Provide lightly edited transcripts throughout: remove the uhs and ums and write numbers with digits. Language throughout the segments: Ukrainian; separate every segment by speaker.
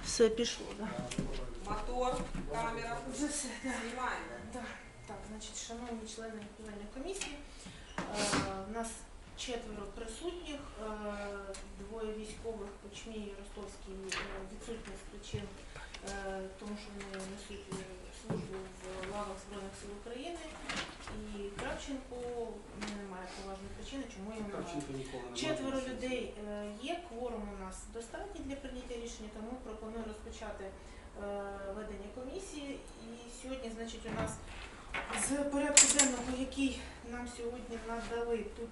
Speaker 1: Все пішло, да.
Speaker 2: Мотор, камера.
Speaker 1: Вже все, да.
Speaker 2: Знімаємо.
Speaker 1: Да. Так, значить, шановні члени комісії, у нас 4 присутніх, 2 військових, Кучмій і Ростовський, відсутні з причин, тому що вони несуть службу в лавах Збройних сил України. І Кравченко немає поважної причини, чому йому немає. 4 людей є, кворум у нас достатній для прийняття рішення, тому пропоную розпочати ведення комісії. І сьогодні, значить, у нас з порядку денного, який нам сьогодні надали, тут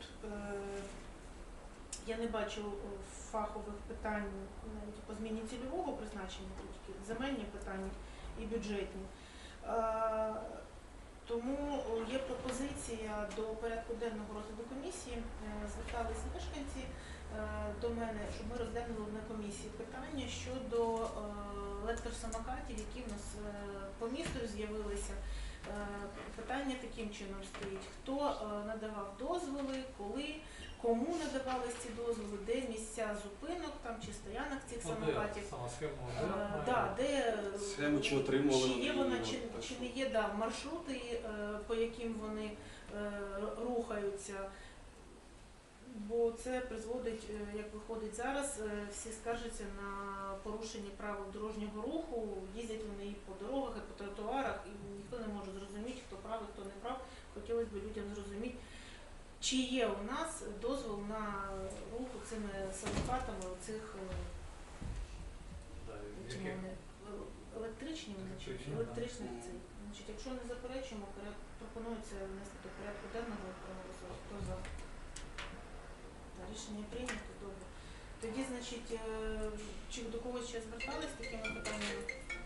Speaker 1: я не бачу фахових питань навіть по зміні цільового призначення, тут земельні питання і бюджетні. Тому є пропозиція до порядку денного розгляду комісії. Зверталися мешканці до мене, щоб ми розглянули на комісії питання щодо електросамокатів, які в нас по місту з'явилися. Питання таким чином стоїть: хто надавав дозволи, коли, кому надавались ці дозволи, де місця зупинок там, чи стоянок цих самокатів,
Speaker 3: схему, чи отримували,
Speaker 1: чи є вона, чи не є маршрути, по яким вони рухаються. Бо це призводить, як виходить зараз, всі скаржаться на порушення правил дорожнього руху, їздять вони і по дорогах, і по тротуарах, і ніхто не може зрозуміти, хто правий, хто не прав. Хотілося б людям зрозуміти, чи є у нас дозвол на рух цими самокатами, оцих електричних цих. Значить, якщо не заперечуємо, пропонується внести до порядку денного проголосувати. Хто за? Рішення прийнято, добре. Тоді, значить, чи до когось ще звертались з такими питаннями?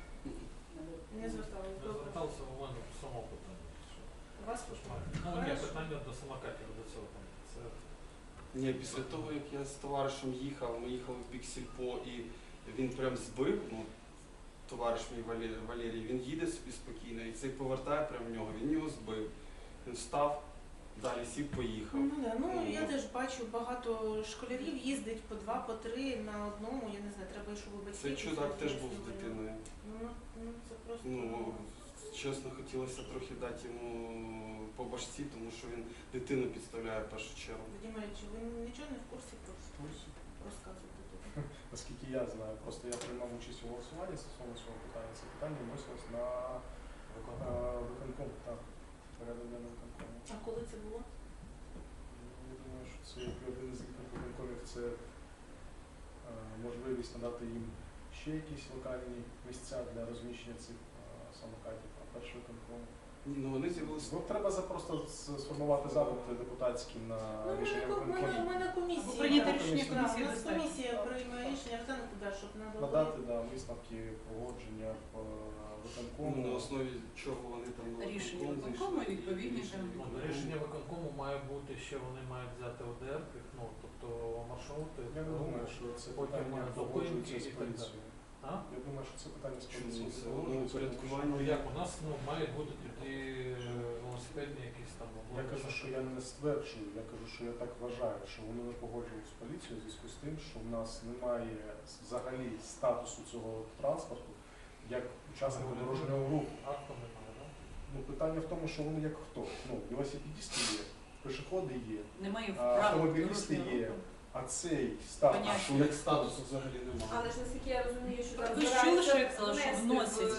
Speaker 1: Не звертались, добре.
Speaker 4: Звертався у мене само питання.
Speaker 1: У вас?
Speaker 4: Ну, ні, питання до самокатів, до цього.
Speaker 3: Ні, після того, як я з товаришем їхав, ми їхали в бік Сільпо, і він прям збив, товариш мій Валерій, він їде собі спокійно, і цей повертає прямо в нього, він його збив. Він встав, далі сів, поїхав.
Speaker 1: Я теж бачу, багато школярів їздить по 2, по 3 на одному, я не знаю, треба, щоб ви батьки.
Speaker 3: Цей чудак теж був з дитиною.
Speaker 1: Це просто...
Speaker 3: Чесно, хотілося трохи дати йому по башці, тому що він дитину підставляє в першу чергу.
Speaker 1: Вадимович, ви нічого не в курсі розказувати тут?
Speaker 5: Наскільки я знаю, просто я приймав участь у голосуванні стосовно цього питання. Це питання вносилось на виконком, так, порядок денний виконкому.
Speaker 1: А коли це було?
Speaker 5: Я думаю, що це один із виконкомів, це можливість надати їм ще якісь локальні місця для розміщення цих самокатів, а перший виконком.
Speaker 3: Вони з'явилися.
Speaker 5: Треба просто сформувати запит депутатський на рішення виконкомів.
Speaker 1: Ми на комісії.
Speaker 2: Прийняти рішення комісії.
Speaker 1: У нас комісія приймає рішення, щоб
Speaker 5: надати висновки погодження в виконкому.
Speaker 3: На основі чого вони там
Speaker 2: Рішення виконкому відповідні.
Speaker 4: Рішення виконкому має бути ще, вони мають взяти ОДР, тобто маршрути.
Speaker 5: Я не думаю, що це питання погоджується з поліцією. Я думаю, що це питання з поліцією.
Speaker 3: Упорядкування.
Speaker 4: Як у нас мають бути тоді велосипедні якісь там.
Speaker 5: Я кажу, що я не стверджую, я кажу, що я так вважаю, що вони не погоджують з поліцією в зв'язку з тим, що в нас немає взагалі статусу цього транспорту як учасника дорожнього руху.
Speaker 4: Акту немає, так?
Speaker 5: Питання в тому, що вони як хто? Велосипедисти є, пішоходи є, автомобілісти є. А цей статус,
Speaker 3: що як статусу взагалі немає.
Speaker 2: Але ж наскільки я розумію, що
Speaker 6: Ви ж чули, що я казала, що вносять.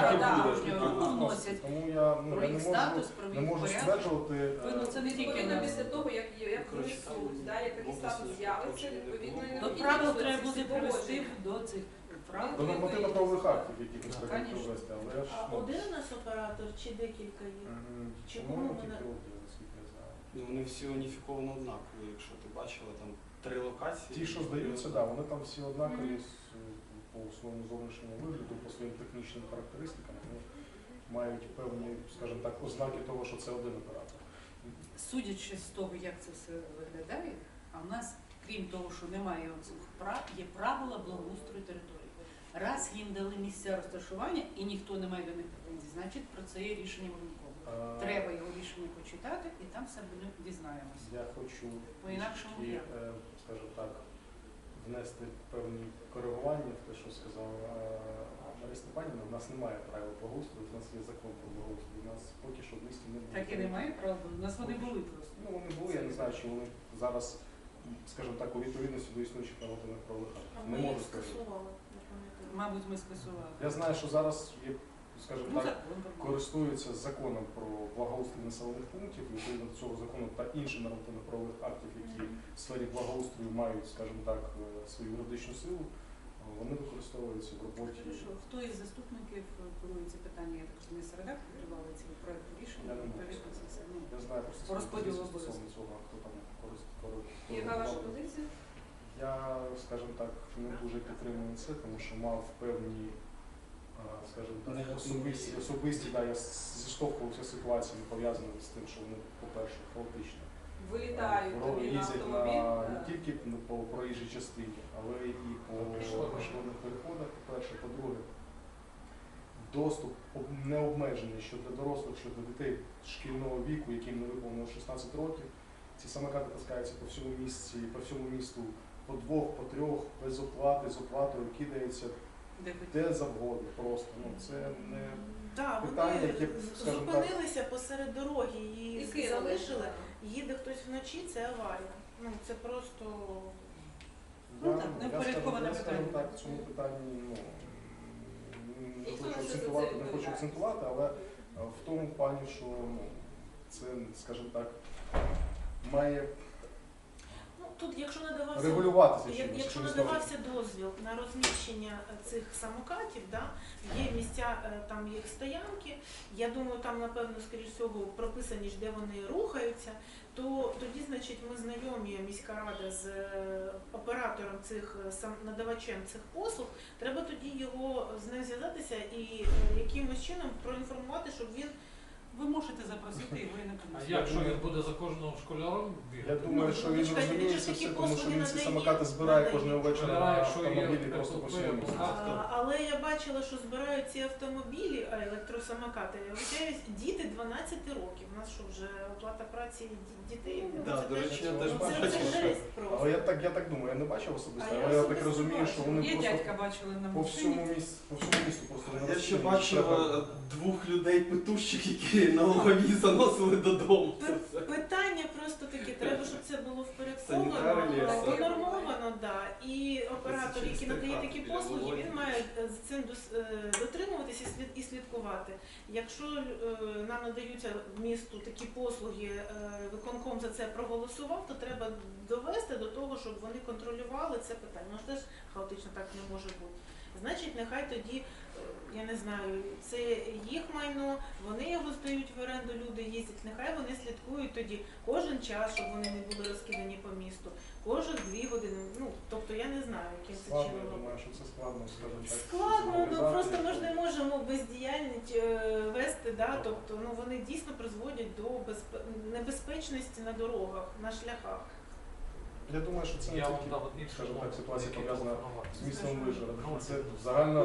Speaker 5: Вносять. Тому я не можу стверджувати.
Speaker 2: Це не тільки після того, як внесуть, як такий статус з'явиться, відповідно і
Speaker 6: До правил треба буде привести до цих правил.
Speaker 5: До нормативно-правових актів, які треба привести.
Speaker 1: А один у нас оператор чи декілька є?
Speaker 5: По-моєму, тільки один, наскільки я знаю.
Speaker 3: Вони всі уніфіковано однакові, якщо ти бачила, там 3 локації.
Speaker 5: Ті, що здаються, вони там всі однакові по своєму зовнішньому вигляду, по своїм технічним характеристикам, вони мають певні, скажімо так, ознаки того, що це один оператор.
Speaker 6: Судячи з того, як це все виглядає, а в нас, крім того, що немає оцих прав, є правила благоустрою території. Раз їм дали місця розташування і ніхто не має до них претензій, значить про це є рішення виконкому. Треба його рішення почитати і там все дізнаємося.
Speaker 5: Я хочу,
Speaker 6: по-інакшому,
Speaker 5: скажімо так, внести певні коригування. врахування в те, що сказала Марія Степанівна. У нас немає правил благоустрою, у нас є закон про благоустрій. У нас поки що в місті не було.
Speaker 6: Так і немає права. У нас вони були просто.
Speaker 5: Ну, вони були, я не знаю, чи вони зараз, скажімо так, у відповідності до існуючих нормативних правових
Speaker 1: А
Speaker 5: актів.
Speaker 1: ми
Speaker 5: Не
Speaker 1: їх
Speaker 5: можу сказати.
Speaker 1: скасували, я пам'ятаю.
Speaker 6: Мабуть, ми скасували.
Speaker 5: Я знаю, що зараз є, скажімо
Speaker 6: Ну,
Speaker 5: так,
Speaker 6: закон про
Speaker 5: користуються законом про благоустрій населених пунктів, і відповідно до цього закону та інших нормативно-правових актів, які в сфері благоустрою мають, скажімо так, свою юридичну силу, вони використовуються в роботі.
Speaker 6: Хорошо. Хто із заступників керує ці питання? Я так розумію, середа підтримали ці проекти рішення?
Speaker 5: Я не можу
Speaker 6: Відповідно, це все. Ну,
Speaker 5: Я знаю просто
Speaker 6: По розподілу
Speaker 5: свою позицію
Speaker 6: обов'язків.
Speaker 5: стосовно цього, хто там
Speaker 2: Яка ваша позиція?
Speaker 5: Я, скажімо так, не дуже підтримую це, тому що мав певні, скажімо так, особисті, да, я зіштовхувався з ситуаціями, пов'язаними з тим, що вони, по-перше, хаотичні.
Speaker 2: Вилітають тобі на
Speaker 5: Їздять
Speaker 2: автомобіль.
Speaker 5: не тільки по проїжджій частині, але і по пішохідних переходах, по-перше. По-друге, доступ необмежений що для дорослих, що для дітей шкільного віку, яким не виповнило 16 років. Ці самокати таскаються по всьому місті, по всьому місту, по двох, по трьох, без оплати, з оплатою, кидаються
Speaker 6: де хоч-
Speaker 5: де завгодно просто. Ну, це не
Speaker 1: Так,
Speaker 5: питання,
Speaker 1: вони
Speaker 5: яке, скажімо так,
Speaker 1: зупинилися посеред дороги,
Speaker 2: І
Speaker 1: їх
Speaker 2: кинули.
Speaker 1: залишили, їде хтось вночі, це аварія. Ну, це просто...
Speaker 6: Ну, так, невпорядковане
Speaker 5: я скажу
Speaker 6: питання.
Speaker 5: так, в цьому питанні не
Speaker 2: Ніхто
Speaker 5: хочу
Speaker 2: не
Speaker 5: акцентувати,
Speaker 2: за це
Speaker 5: не хочу акцентувати, але в тому плані, що це, скажімо так, має
Speaker 1: Ну, тут, якщо надавався...
Speaker 5: регулюватися чимось.
Speaker 1: Якщо
Speaker 5: чимось
Speaker 1: надавався дозвіл на розміщення цих самокатів, да, є місця, там їх стоянки, я думаю, там, напевно, скоріш всього, прописані ж, де вони рухаються, то тоді, значить, ми знайомі, міська рада, з оператором цих, надавачем цих послуг, треба тоді його з ним зв'язатися і якимось чином проінформувати, щоб він...
Speaker 6: Ви можете запросити його і на
Speaker 4: А
Speaker 6: комісію.
Speaker 4: як, що він буде за кожного школяром
Speaker 5: Я
Speaker 4: бігати?
Speaker 5: думаю, що він
Speaker 1: чекайте,
Speaker 5: розуміє
Speaker 1: він же
Speaker 5: це
Speaker 1: такі
Speaker 5: все, тому що
Speaker 1: послуги
Speaker 5: він ці
Speaker 1: надає,
Speaker 5: самокати збирає
Speaker 1: надає.
Speaker 5: кожного вечора на
Speaker 4: Школяра, якщо є
Speaker 5: автомобілі просто по
Speaker 4: КПП,
Speaker 5: всьому місту.
Speaker 4: будь
Speaker 1: Але я бачила, що збирають ці автомобілі, електросамокати. Я вважаю, діти 12 років. У нас що вже оплата праці дітей?
Speaker 3: Да,
Speaker 1: Це
Speaker 3: до речі, я
Speaker 1: теж-
Speaker 3: теж
Speaker 1: це
Speaker 3: бачив, що-
Speaker 1: жесть просто.
Speaker 5: Але я так думаю, я не бачив особисто,
Speaker 1: А я
Speaker 5: але я так
Speaker 1: особисто
Speaker 5: розумію, що вони
Speaker 6: Є
Speaker 5: просто
Speaker 6: дядька бачили на
Speaker 5: по всьому
Speaker 6: машині.
Speaker 5: місту просто не
Speaker 3: Я ще
Speaker 5: розстрілюють.
Speaker 3: бачив
Speaker 5: Треба-
Speaker 3: двох людей петущих, які на голові заносили додому. Це все.
Speaker 1: Питання просто таке, треба, щоб це було
Speaker 3: Санітари
Speaker 1: впорядковано,
Speaker 3: лісу.
Speaker 1: понормовано, да. І оператор, який
Speaker 3: чистий
Speaker 1: надає
Speaker 3: факт
Speaker 1: такі
Speaker 3: біля
Speaker 1: послуги,
Speaker 3: Володі.
Speaker 1: він має з цим дотримуватися і слідкувати. Якщо нам надаються в місту такі послуги, виконком за це проголосував, то треба довести до того, щоб вони контролювали це питання. Ну ж теж хаотично так не може бути. Значить, нехай тоді, я не знаю, це їх майно, вони його здають в оренду, люди їздять, нехай вони слідкують тоді кожен час, щоб вони не були розкидані по місту, кожен 2 години. Ну, тобто я не знаю, яким це
Speaker 5: Складно,
Speaker 1: чином.
Speaker 5: я думаю, що це складно, скажімо так.
Speaker 1: Складно, ну
Speaker 5: організації,
Speaker 1: просто ми ж
Speaker 5: що-
Speaker 1: не можемо бездіяльність вести, да? Тобто ну, вони дійсно призводять до небезпечності на дорогах, на шляхах.
Speaker 5: Я думаю, що це не
Speaker 4: Я вам
Speaker 5: тільки,
Speaker 4: дав іншу
Speaker 5: скажімо так,
Speaker 4: мову,
Speaker 5: ситуація
Speaker 4: які
Speaker 5: пов'язана
Speaker 4: телефонувати.
Speaker 5: з містом Вишгородом.
Speaker 4: Ну,
Speaker 5: Це
Speaker 4: ну,
Speaker 5: загально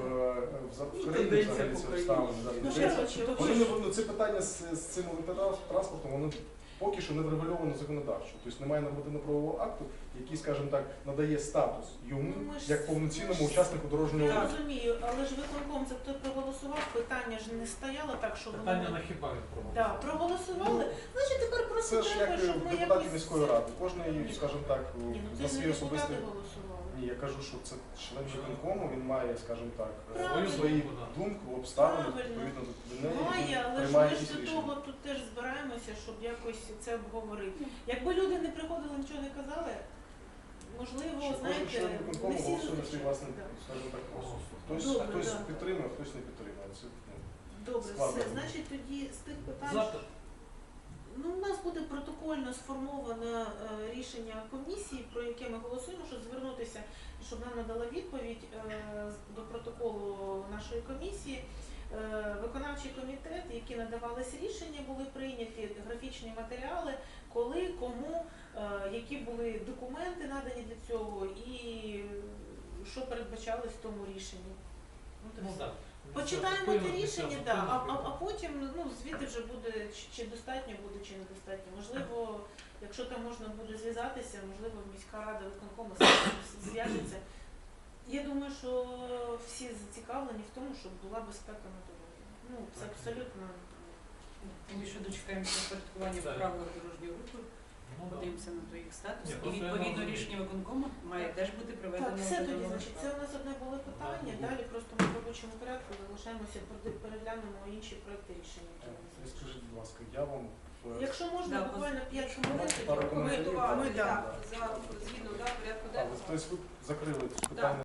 Speaker 5: в країні
Speaker 3: тенденція
Speaker 5: взагалі
Speaker 3: по
Speaker 5: це
Speaker 3: країні.
Speaker 5: обставини. да,
Speaker 1: Ну,
Speaker 5: тенденція.
Speaker 1: коротше,
Speaker 5: Вони не це питання з цим електротранспортом, воно поки що не врегульовано законодавчо. Тобто немає нормативно-правового акту, який, скажімо так, надає статус йому
Speaker 1: Ну, ми ж-
Speaker 5: як повноцінному
Speaker 1: ми ж-
Speaker 5: учаснику дорожнього
Speaker 1: Я
Speaker 5: руху.
Speaker 1: розумію, але ж виконком це хто проголосував, питання ж не стояло так, що
Speaker 4: Питання
Speaker 1: вони
Speaker 4: на хіба він
Speaker 1: да, проголосували. Значить, тепер просто
Speaker 5: Це ж
Speaker 1: треба,
Speaker 5: як
Speaker 1: щоб ми
Speaker 5: депутатів
Speaker 1: якось...
Speaker 5: міської ради. Кожний, скажімо так,
Speaker 1: Ні, ну
Speaker 5: на
Speaker 1: це ж
Speaker 5: свій
Speaker 1: не
Speaker 5: особистий.
Speaker 1: депутати голосували.
Speaker 5: Ні, я кажу, що це член виконкому, він має, скажімо так,
Speaker 1: Правильно.
Speaker 5: свої думки, обставини,
Speaker 1: Правильно.
Speaker 5: відповідно до неї,
Speaker 1: Має,
Speaker 5: він
Speaker 1: але ж
Speaker 5: приймає
Speaker 1: ми ж
Speaker 5: якісь
Speaker 1: до
Speaker 5: рішення.
Speaker 1: того тут теж збираємося, щоб якось це обговорити. Якби люди не приходили, нічого не казали, можливо,
Speaker 5: Що кожен
Speaker 1: знаєте,
Speaker 5: член
Speaker 1: не
Speaker 5: виконкому
Speaker 1: всі
Speaker 5: голосує на свій
Speaker 1: зустрічі.
Speaker 5: власний,
Speaker 1: Да.
Speaker 5: скажімо так, розсуд.
Speaker 1: Добре,
Speaker 5: Хтось
Speaker 1: да.
Speaker 5: підтримує, хтось не підтримує. Це,
Speaker 1: Добре,
Speaker 5: складно.
Speaker 1: все. Значить, тоді з тих питань,
Speaker 4: Завтра.
Speaker 1: ну, у нас буде протокольно сформоване рішення комісії, про яке ми голосуємо, щоб звернутися, і щоб нам надала відповідь до протоколу нашої комісії. Виконавчий комітет, які надавались рішення, були прийняті графічні матеріали, коли, кому, які були документи надані для цього і що передбачалось в тому рішенні. От і
Speaker 4: Ну
Speaker 1: все.
Speaker 4: так.
Speaker 1: Почитаємо
Speaker 4: Зупинимо,
Speaker 1: те рішення,
Speaker 4: зупинимо,
Speaker 1: да, а
Speaker 4: зупинимо.
Speaker 1: потім ну, звідти вже буде, чи достатньо буде, чи недостатньо. Можливо, якщо там можна буде зв'язатися, можливо, міська рада виконкому зв'яжеться Я думаю, що всі зацікавлені в тому, щоб була безпека на дорозі. Ну, це абсолютно.
Speaker 6: Ми ще дочекаємося впорядкування в
Speaker 4: Так.
Speaker 6: правилах дорожнього руху,
Speaker 4: Ну, да.
Speaker 6: подивимося на той їх статус.
Speaker 4: Ні,
Speaker 6: І
Speaker 4: просто я
Speaker 6: відповідно
Speaker 4: розумію.
Speaker 6: рішення виконкому має теж бути проведено.
Speaker 1: Так, все
Speaker 6: в
Speaker 1: тоді,
Speaker 6: судовому
Speaker 1: значить, це
Speaker 6: складі.
Speaker 1: у нас одне було питання,
Speaker 4: Ага.
Speaker 1: далі просто ми в робочому порядку залишаємося, переглянемо інші проекти рішення. які у нас
Speaker 5: І
Speaker 1: є.
Speaker 5: скажіть, будь ласка, я вам
Speaker 1: Якщо можна,
Speaker 6: Да,
Speaker 1: буквально 5 хвилин,
Speaker 5: Пару
Speaker 1: тоді
Speaker 5: коментарів.
Speaker 2: Коментувати,
Speaker 1: Ми, да.
Speaker 2: так, за згідно да, порядку
Speaker 5: А,
Speaker 2: денного.
Speaker 5: тобто ви закрили це питання.